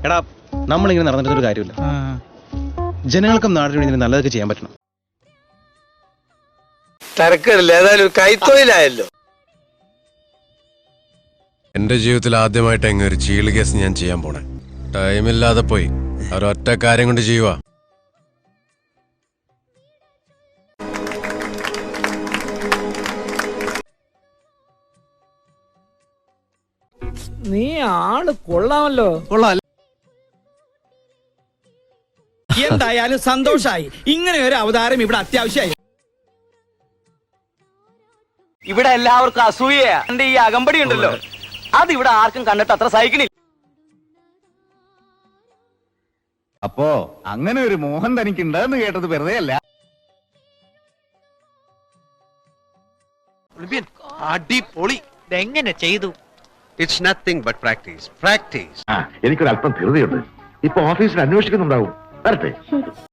എടാ നമ്മളിങ്ങനെ നടന്നിട്ടൊരു കാര്യമില്ല. ജനങ്ങൾക്കും നാടിനും ഇതിന് നല്ലതൊക്കെ ചെയ്യാൻ പറ്റണം. തരക്കേടില്ല, ഏതായാലും കൈത്തൊഴിലായല്ലോ. എന്റെ ജീവിതത്തിൽ ആദ്യമായിട്ട് എങ്ങനെ ഒരു ചീള് കേസ് ഞാൻ ചെയ്യാൻ പോണേ. ടൈമില്ലാതെ പോയി ഒരൊറ്റ കാര്യം കൊണ്ട് ചെയ്യുവാ. നീ ആള് കൊള്ളാമല്ലോ. എന്തായാലും സന്തോഷായി. ഇങ്ങനെ ഒരു അവതാരം ഇവിടെ അത്യാവശ്യമായി. ഇവിടെ എല്ലാവർക്കും അസൂയയാ. എന്റെ ഈ അകമ്പടി ഉണ്ടല്ലോ, അത് ഇവിടെ ആർക്കും കണ്ടിട്ട് അത്ര സഹിക്കണില്ല. അപ്പോ അങ്ങനെ ഒരു മോഹൻ തനിക്കുണ്ടെന്ന് കേട്ടത് വെറുതെ അല്ല. അടിപൊളി. ഇതെങ്ങനെ ചെയ്തു? It's nothing but practice. Practice. എനിക്കൊരു അല്പം ധൃതിയുണ്ട്. ഇപ്പൊ ഓഫീസിൽ അന്വേഷിക്കുന്നുണ്ടാവും. വരട്ടെ.